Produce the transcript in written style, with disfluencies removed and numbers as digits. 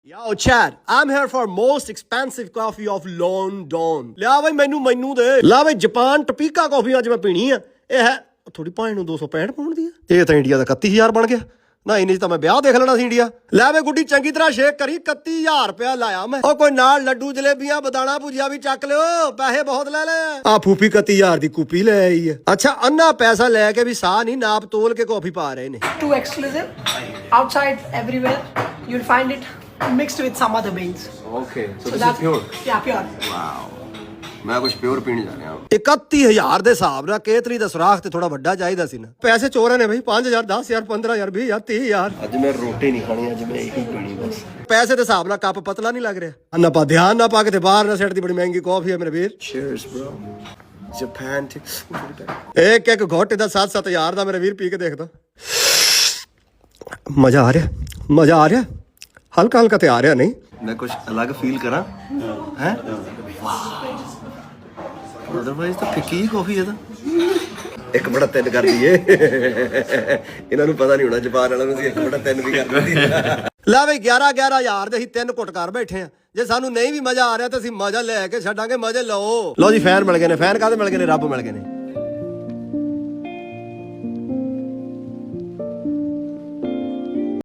Yo, Chad, I'm here for most expensive coffee of London. ਲਿਆ ਬਈ ਮੈਨੂੰ ਦੇ ਲਾ ਬਈ ਜਾਪਾਨ ਟਪੀਕਾ ਕਾਫੀ ਅੱਜ ਮੈਂ ਪੀਣੀ ਆ। ਇਹ ਹੈ ਥੋੜੀ ਭਾਵੇਂ ਨੂੰ 265 ਪਾਉਣ ਦੀ ਆ। ਇਹ ਤਾਂ ਇੰਡੀਆ ਦਾ 31000 ਬਣ ਗਿਆ ਨਾ। ਇੰਨੇ ਚ ਤਾਂ ਮੈਂ ਵਿਆਹ ਦੇਖ ਲੈਣਾ ਸੀ ਇੰਡੀਆ। ਲੈ ਵੇ ਗੁੱਡੀ ਚੰਗੀ ਤਰ੍ਹਾਂ ਸ਼ੇਕ ਕਰੀ। 31000 ਰੁਪਇਆ ਲਾਇਆ ਮੈਂ। ਉਹ ਕੋਈ ਨਾਲ ਲੱਡੂ ਜਲੇਬੀਆਂ ਬਦਾਣਾ ਭੁਜੀਆ ਵੀ ਚੱਕ ਲਿਓ। ਪੈਸੇ ਬਹੁਤ ਲੈ ਲੈ ਆ। ਫੂਫੀ 31000 ਦੀ ਕੂਪੀ ਲੈ ਆਈ ਆ। ਅੱਛਾ ਅੰਨਾ ਪੈਸਾ ਲੈ ਕੇ ਵੀ ਸਾਹ ਨਹੀਂ ਨਾਪ ਤੋਲ ਕੇ ਕਾਫੀ ਪਾ ਰਹੇ ਨੇ। Too exclusive. Outside everywhere you'll find it mixed with some other beans. Okay, so this is pure. Yeah, pure. Wow. ਮੈਂ ਕੁਝ ਪਿਓਰ ਪੀਣ ਜਾ ਰਿਹਾ 31000 ਦੇ ਹਿਸਾਬ ਨਾਲ ਕੇਤਲੀ ਦਾ ਸੁਰਾਖ ਤੇ ਥੋੜਾ ਵੱਡਾ ਚਾਹੀਦਾ ਸੀ ਨਾ। ਪੈਸੇ ਚੋਰਾਂ ਨੇ ਬਈ 5000 10000 15000 20000 30000। ਅੱਜ ਮੈਂ ਰੋਟੀ ਨਹੀਂ ਖਾਣੀ ਅੱਜ ਮੈਂ ਇਹੀ ਪੀਣੀ ਬਸ। ਪੈਸੇ ਦੇ ਹਿਸਾਬ ਨਾਲ ਕੱਪ ਪਤਲਾ ਨਹੀਂ ਲੱਗ ਰਿਹਾ ਨਾ। ਪਾ ਧਿਆਨ ਨਾ ਪਾ ਕੇ ਤੇ ਬਾਹਰ ਨਾ ਸਿੱਟ ਦੀ। ਬੜੀ ਮਹਿੰਗੀ ਕਾਫੀ ਹੈ ਮੇਰੇ ਵੀਰ। Cheers bro. Japan to ਇੱਕ ਘੁੱਟ ਦਾ 7-7000 ਦਾ ਮੇਰੇ ਵੀਰ ਪੀ ਕੇ ਦੇਖਦਾ। ਮਜ਼ਾ ਆ ਰਿਹਾ ਹਲਕਾ ਹਲਕਾ ਤੇ ਆ ਰਿਹਾ ਨਹੀਂ। ਮੈਂ ਕੁਝ ਅਲੱਗ ਫੀਲ ਕਰਾਂ ਹੈ। ਵਾਹ ਅਦਰਵਾਈਜ਼ ਤਾਂ ਫਿੱਕੀ ਹੀ ਕਾਫੀ ਹੈ ਤਾਂ। ਇੱਕ ਬੜਾ ਤਿੰਨ ਕਰ ਦਈਏ। ਇਹਨਾਂ ਨੂੰ ਪਤਾ ਨਹੀਂ ਹੋਣਾ ਜਾਪਾਨ ਵਾਲਿਆਂ ਨੂੰ ਅਸੀਂ ਇੱਕ ਬੜਾ ਤਿੰਨ ਵੀ ਕਰ ਦਈਏ। ਲੈ ਬਈ 11,000 ਦੇ ਅਸੀਂ 3 ਘੁੱਟ ਕਰ ਬੈਠੇ ਆ। ਜੇ ਸਾਨੂੰ ਨਹੀਂ ਵੀ ਮਜ਼ਾ ਆ ਰਿਹਾ ਤਾਂ ਅਸੀਂ ਮਜ਼ਾ ਲੈ ਕੇ ਛੱਡਾਂਗੇ। ਮਜ਼ੇ ਲਓ। ਲਓ ਜੀ ਫੈਨ ਮਿਲ ਗਏ ਨੇ। ਫੈਨ ਕਾਹਦੇ ਮਿਲ ਗਏ ਨੇ? ਰੱਬ ਮਿਲ ਗਏ ਨੇ।